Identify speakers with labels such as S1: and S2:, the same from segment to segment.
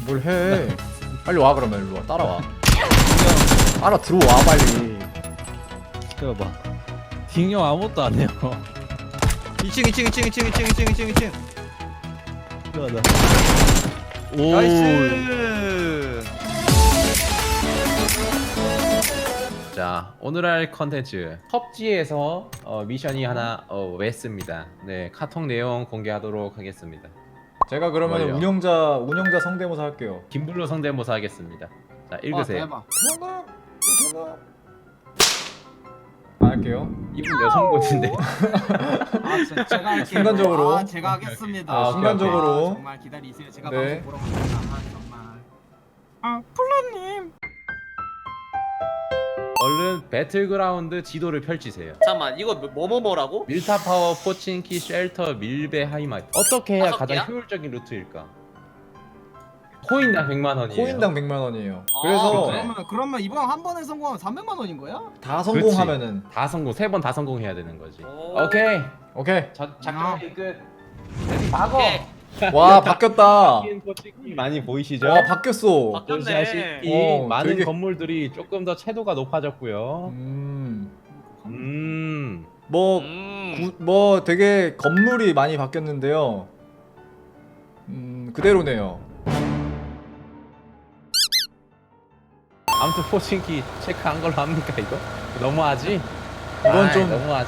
S1: 뭘 해? 빨리 와 그러면 일로 와. 따라와. 따라 들어와 빨리.
S2: 기다려봐. 딩형 아무것도 안 해요.
S3: 2층 2층 2층 2층 2층 2층 2층 2층.
S2: 기다려.
S3: 나이스.
S4: 자, 오늘 할 컨텐츠 펍지에서 미션이 하나 웻습니다. 네, 카톡 내용 공개하도록 하겠습니다.
S1: 제가 그러면
S4: 뭐예요?
S1: 운영자 성대모사 할게요.
S4: 김블루 성대모사 하겠습니다. 자, 읽으세요.
S1: 통합. 안 할게요.
S4: 이분 여성분인데.
S5: 제가 할게요.
S1: 순간적으로.
S5: 제가 하겠습니다.
S4: 아,
S1: 순간적으로.
S5: 정말 기다리세요. 제가
S1: 네.
S5: 방송 보러 갑니다. 정말. 플라님.
S4: 얼른 배틀그라운드 지도를 펼치세요.
S6: 잠깐만 이거 뭐라고?
S4: 밀타 파워, 포친키, 쉘터, 밀배, 하이마이트. 어떻게 해야
S6: 다섯
S4: 가장
S6: 개야?
S4: 효율적인 루트일까? 코인당 100만 원이에요.
S1: 코인당 100만 원이에요.
S6: 아,
S1: 그래서
S4: 그래?
S5: 그러면 이번 한 번에 성공하면 300만 원인 거야?
S1: 다 성공하면은
S4: 다 성공, 3번 다 성공해야 되는 거지.
S6: 오.
S4: 오케이.
S1: 오케이.
S4: 작전 끝. 레디 박어.
S6: 오케이.
S1: 와 바뀌었다.
S4: 바뀐 포친키 많이 보이시죠?
S1: 와 바뀌었어.
S6: 바뀌었네.
S4: 보시다시피
S1: 어,
S4: 많은
S1: 되게-
S4: 건물들이 조금 더 채도가 높아졌고요.
S1: 뭐
S6: 음.
S1: 뭐 되게 건물이 많이 바뀌었는데요. 그대로네요.
S4: 아무튼 포친키 체크한 걸로 합니까 이거? 너무하지?
S1: 이건 좀-
S4: 너무하지.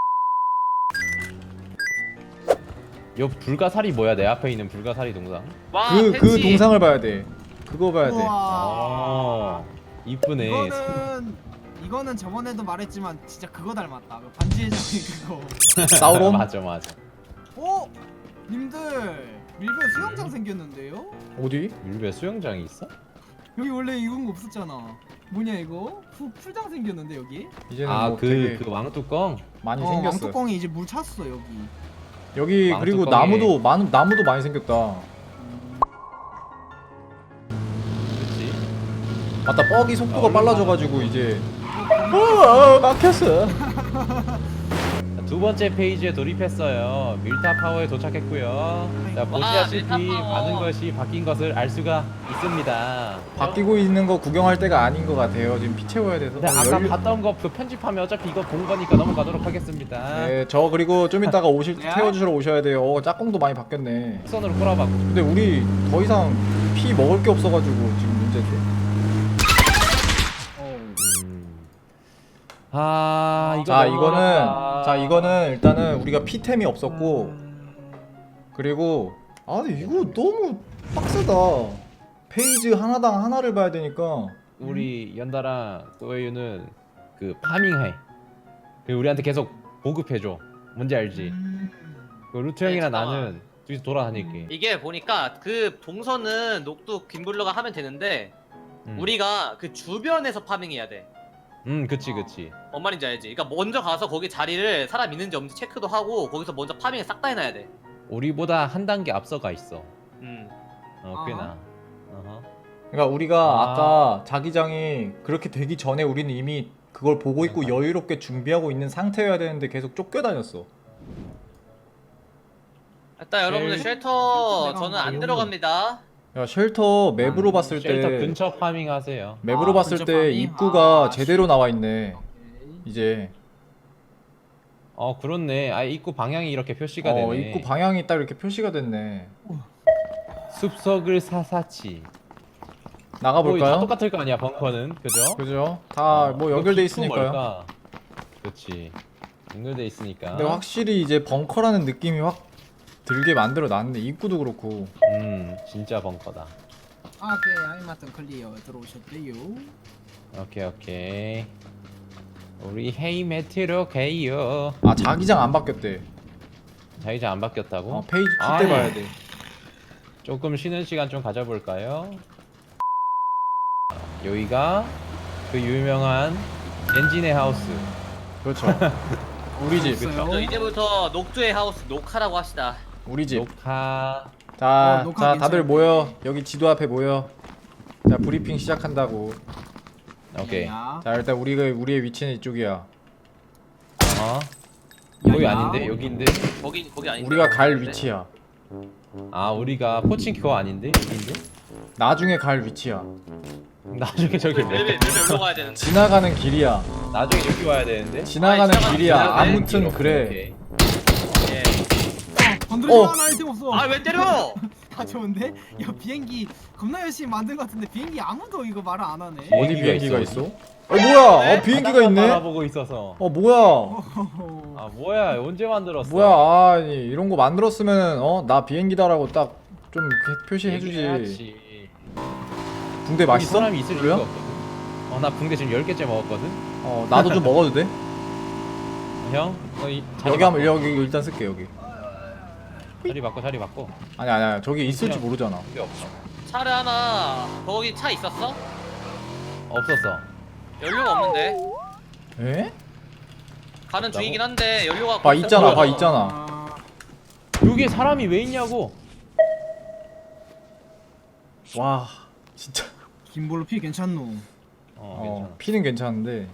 S4: 요 불가사리 뭐야? 내 앞에 있는 불가사리 동상.
S6: 와,
S1: 그
S6: 팬티.
S1: 동상을 봐야 돼. 그거 봐야 돼.
S5: 우와.
S4: 이쁘네.
S5: 이거는 저번에도 말했지만 진짜 그거 닮았다. 그 반지의 제왕 그거.
S1: 사우론?
S4: 맞아 맞아.
S5: 어? 님들 밀배 수영장 생겼는데요?
S1: 어디?
S4: 밀배 수영장이 있어?
S5: 여기 원래 이런 거 없었잖아. 뭐냐 이거? 풀장 생겼는데 여기?
S1: 이제는
S4: 아
S1: 뭐
S4: 그
S1: 되게
S4: 왕뚜껑?
S1: 많이 생겼어.
S5: 왕뚜껑이 이제 물 찼어 여기.
S1: 여기 그리고
S4: 왕뚜껑에-
S1: 나무도 많이 생겼다.
S4: 그렇지.
S1: 맞다. 뻑이 속도가
S4: 얼마나
S1: 빨라져가지고 이제 막혔어.
S4: 두 번째 페이지에 돌입했어요. 밀타 파워에 도착했고요. 자 보시다시피
S6: 밀타 파워.
S4: 많은 것이 바뀐 것을 알 수가 있습니다.
S1: 바뀌고 있는 거 구경할 때가 아닌 것 같아요. 지금 피 채워야 돼서.
S4: 근데 아까 봤던 거 그 편집하면 어차피 이거 본 거니까 넘어가도록 하겠습니다.
S1: 네, 저 그리고 좀 이따가 오실 때
S5: 네.
S1: 태워주러 오셔야 돼요. 짝꿍도 많이 바뀌었네.
S4: 선으로 꼬라박고.
S1: 근데 우리 더 이상 피 먹을 게 없어가지고 지금 문제지.
S4: 이거
S1: 자
S4: 너무
S1: 이거는
S4: 어렵다.
S1: 일단은 우리가 피템이 없었고 그리고 근데 이거 너무 빡세다. 페이지 하나당 하나를 봐야 되니까.
S4: 우리 연달아 또웨유는 그 파밍해. 그 우리한테 계속 보급해줘. 뭔지 알지? 그 루트 형이랑
S6: 잠깐만.
S4: 나는 둘이서 돌아다닐게.
S6: 이게 보니까 그 동선은 녹두 김블루가 하면 되는데 우리가 그 주변에서 파밍해야 돼.
S4: 그치 그치.
S6: 뭔 말인지 알지? 그러니까 먼저 가서 거기 자리를 사람 있는지 없는지 체크도 하고 거기서 먼저 파밍을 싹 다 해놔야 돼.
S4: 우리보다 한 단계 앞서가 있어.
S6: 음.
S4: 꽤나. 어허.
S1: 그러니까 우리가
S4: 아.
S1: 아까 자기장이 그렇게 되기 전에 우리는 이미 그걸 보고 있고 여유롭게 준비하고 있는 상태여야 되는데 계속 쫓겨다녔어.
S6: 일단 여러분들 쉘터
S5: 내가
S6: 저는 안
S5: 뭐요?
S6: 들어갑니다.
S1: 야 쉘터 맵으로 봤을
S4: 쉘터
S1: 때
S4: 근처 파밍하세요.
S1: 맵으로 봤을
S5: 근처
S1: 때
S5: 파밍?
S1: 입구가
S5: 아,
S1: 제대로 나와 있네. 이제
S4: 그렇네. 입구 방향이 이렇게 표시가 되네.
S1: 입구 방향이 딱 이렇게 표시가 됐네.
S4: 숲속을 사사치.
S1: 나가
S4: 다
S1: 볼까요?
S4: 똑같을 거 아니야 벙커는, 그죠?
S1: 그죠? 다 뭐 연결돼 있으니까요.
S4: 그렇지. 연결돼 있으니까.
S1: 근데 확실히 이제 벙커라는 느낌이 확 들게 만들어 놨네. 입구도 그렇고.
S4: 진짜 벙커다.
S5: 오케이 하이마튼 클리어 들어오셨대요.
S4: 오케이. 우리 헤이 매트로 가요.
S1: 자기장 안 바뀌었대.
S4: 자기장 안 바뀌었다고?
S1: 페이지 킬
S4: 아이.
S1: 때 봐야 돼.
S4: 조금 쉬는 시간 좀 가져볼까요? 여기가 그 유명한 엔진의 하우스.
S1: 그렇죠. 우리 집.
S5: 있어요?
S6: 저 이제부터 녹두의 하우스 녹화라고 합시다.
S1: 우리 집.
S4: 녹화.
S1: 자,
S5: 녹화
S1: 자
S5: 괜찮은데.
S1: 다들 모여. 여기 지도 앞에 모여. 자, 브리핑 시작한다고.
S4: 오케이.
S5: 야,
S1: 자, 일단 우리의 위치는 이쪽이야.
S4: 거기
S5: 야,
S4: 아닌데? 여기인데?
S6: 거기 아닌데.
S1: 우리가 갈 위치야.
S4: 우리가 포칭키 그거 아닌데? 여기인데?
S1: 나중에 갈 위치야.
S4: 나중에 저기
S6: 멜멜 올라가야 되는데.
S1: 지나가는 길이야.
S4: 나중에 여기 와야 되는데.
S1: 지나가는
S6: 지나가는
S1: 길이야.
S6: 길이야.
S1: 아무튼 그래.
S4: 오케이.
S6: 예.
S5: 건드리지
S1: 어.
S5: 마, 나 아이템 없어.
S6: 아 왜 때려?
S5: 다 좋은데? 야 비행기 겁나 열심히 만든 것 같은데 비행기 아무도 이거 말을 안 하네.
S1: 어디 비행기가
S4: 있어,
S1: 있어? 뭐야? 비행기가 있네.
S4: 바라보고 있어서.
S1: 뭐야?
S4: 아 뭐야? 언제 만들었어?
S1: 뭐야? 아니 이런 거 만들었으면 나 비행기다라고 딱 좀 표시해주지.
S4: 얘기해야지.
S1: 붕대
S4: 여기
S1: 맛있어?
S4: 사람이 있을
S1: 그래요?
S4: 리가 없거든. 나 붕대 지금 10개째 먹었거든.
S1: 나도 좀 먹어도 돼?
S4: 형,
S1: 여기 한번 여기 일단 쓸게 여기.
S4: 자리 바꿔.
S1: 아니야 저기 있을지 모르잖아.
S4: 붕대 없어.
S6: 차를 하나 거기 차 있었어?
S4: 없었어.
S6: 연료가 없는데.
S1: 에?
S6: 가는 중이긴 한데 연료가.
S1: 봐 있잖아
S6: 없어서.
S1: 봐 있잖아.
S5: 아,
S4: 여기에 사람이 왜 있냐고.
S1: 와 진짜.
S5: 김볼로 피 괜찮노.
S4: 괜찮아.
S1: 피는 괜찮은데.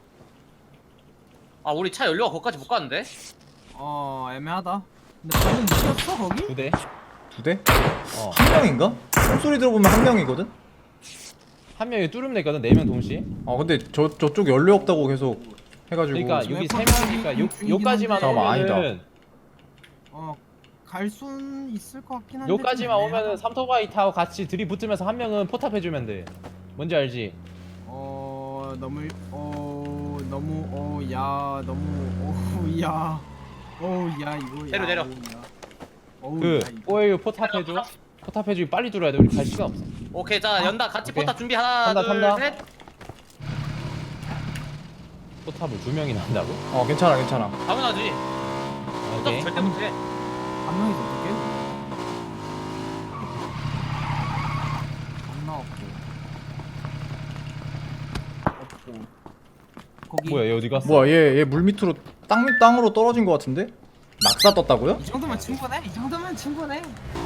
S6: 아 우리 차 연료가 거기까지 못 가는데?
S5: 애매하다. 근데 방금 묶였어 거기?
S4: 2대.
S1: 2대?
S4: 어.
S1: 한 명인가? 소리 들어보면 한 명이거든?
S4: 한 명이 뚫으면 됐거든. 4명 동시에.
S1: 근데 저쪽 연료 없다고 계속 해가지고.
S4: 그러니까 여기
S5: 웨폰
S4: 3명이니까 요까지만
S1: 잠깐만, 아니다.
S4: 오면은
S5: 갈 순 있을 것 같긴 한데.
S4: 요까지만
S5: 좀
S4: 오면은
S5: 애매하다.
S4: 삼토바이 타고 같이 들이붙으면서 한 명은 포탑 해주면 돼. 뭔지 알지?
S5: 야 이거 야.
S6: 내려.
S4: 그 오에유 포탑 해줘. 포탑 해주기 빨리 들어야 돼. 우리 갈 시간 없어.
S6: 오케이 자 연다 같이
S4: 오케이.
S6: 포탑 준비 하나
S4: 탄다.
S6: 둘 셋.
S4: 포탑을 2명이나 한다고?
S1: 괜찮아.
S6: 당연하지. 포탑
S4: 오케이.
S6: 절대 못해.
S5: 한 명이서 어떻게? 안 나왔고. 없고. 거기.
S4: 뭐야 얘 어디 갔어?
S1: 뭐야 얘 물 밑으로 땅으로 떨어진 것 같은데? 낙사 떴다고요?
S5: 이 정도면 충분해. 이 정도면 충분해.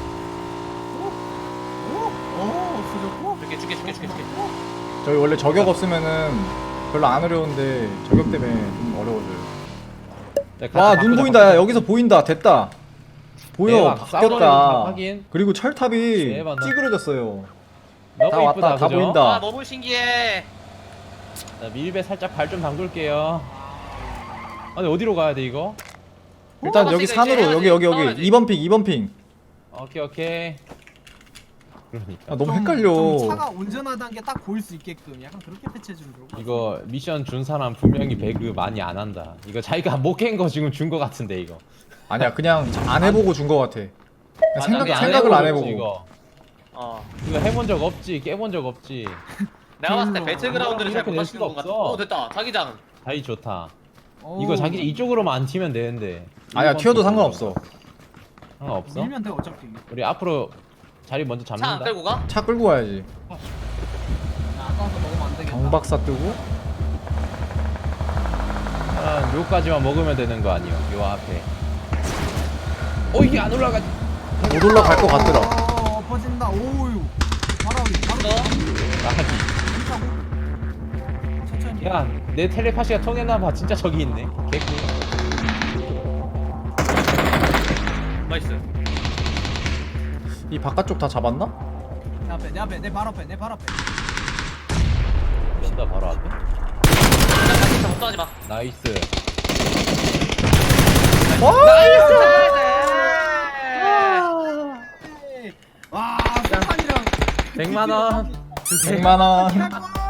S5: 오, 없어졌고.
S6: 줄게.
S1: 저희 원래 저격 없으면은 별로 안 어려운데 저격 때문에 좀 어려워져요. 와 눈 보인다. 야 여기서 보인다. 됐다. 보여.
S4: 대박, 싸우는 거
S1: 바뀌었다.
S4: 확인.
S1: 그리고 철탑이
S4: 대박, 나.
S1: 찌그러졌어요.
S4: 너무
S1: 다
S4: 이쁘다,
S1: 왔다. 다
S4: 그죠?
S1: 보인다.
S6: 아 너무 신기해.
S4: 자, 밀배 살짝 발 좀 담글게요. 아니 어디로 가야 돼 이거?
S1: 일단 여기
S6: 이제
S1: 산으로
S6: 해야지.
S1: 여기
S6: 싸워야지.
S1: 2번 핑.
S4: 오케이. 그러니까
S1: 너무
S5: 좀
S1: 헷갈려.
S5: 차가 운전하다는 게 딱 보일 수 있게끔 약간 그렇게 패치해주면 좋을 것 같아.
S4: 이거 미션 준 사람 분명히 배그 많이 안 한다. 이거 자기가 못 깬 거 지금 준 거 같은데 이거.
S1: 아니야 그냥 안 해보고 준 것 같아. 그냥
S6: 맞아,
S1: 생각을 안
S4: 해보고
S1: 해보고.
S4: 이거.
S6: 어.
S4: 이거 해본 적 없지, 깨본 적 없지.
S6: 내가 봤을 때 배틀그라운드를 잘
S4: 이렇게
S6: 못
S4: 낼
S6: 하시는
S4: 수가
S6: 것 같아.
S4: 없어.
S6: 됐다. 자기장.
S4: 자기 좋다.
S5: 어우,
S4: 이거 자기 이쪽으로만 안 튀면 되는데.
S1: 아니야
S4: 일본
S1: 튀어도
S4: 쪽으로.
S1: 상관없어.
S4: 상관없어?
S5: 밀면 돼 어차피.
S4: 우리 앞으로 자리 먼저
S6: 차 안
S4: 잡는다.
S6: 끌고 가?
S1: 차 끌고 가야지.
S5: 아까워서 먹으면 안 되겠다.
S1: 경박사 뜨고.
S4: 요까지만 먹으면 되는 거 아니요? 요 앞에. 이게 안 올라가지.
S1: 못 올라갈 것 같더라.
S5: 퍼진다. 오유. 바로
S6: 너?
S4: 나가지.
S5: 천천히.
S4: 야, 내 텔레파시가 통했나봐. 진짜 저기 있네. 개꿀.
S6: 나이스.
S1: 이 바깥쪽 다 잡았나?
S5: 내 앞에 내 발 앞에
S4: 진짜 바로 앞에.
S6: 진짜 걱정하지 마.
S4: 나이스.
S5: 와 수판이랑
S4: 100만 원.
S1: 100만 원.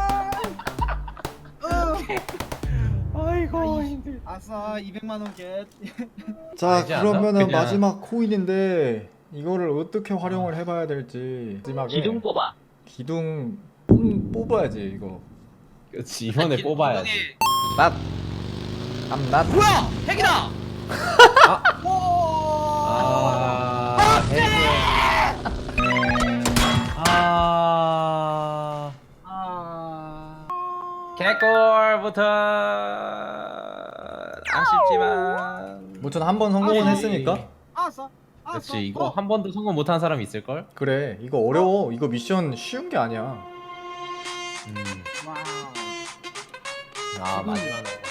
S4: 아이고 힘들.
S5: 아싸 200만 원 겟.
S1: 자
S4: 알지 않나?
S1: 그러면은
S4: 그냥.
S1: 마지막 코인인데 이거를 어떻게 활용을 해봐야 될지. 마지막에
S6: 뽑아.
S1: 기둥 뽑아야지 이거.
S4: 그렇지 이번에 뽑아야지.
S1: 낫.
S6: 뭐야? 핵이다.
S4: 개꿀부터 아쉽지만.
S1: 무튼 한 번 성공은 했으니까.
S5: 아싸.
S4: 그렇지 이거 한 번도 성공 못한 사람 있을 걸?
S1: 그래 이거 어려워. 이거 미션 쉬운 게 아니야.
S5: 와우.
S4: 아 마지막에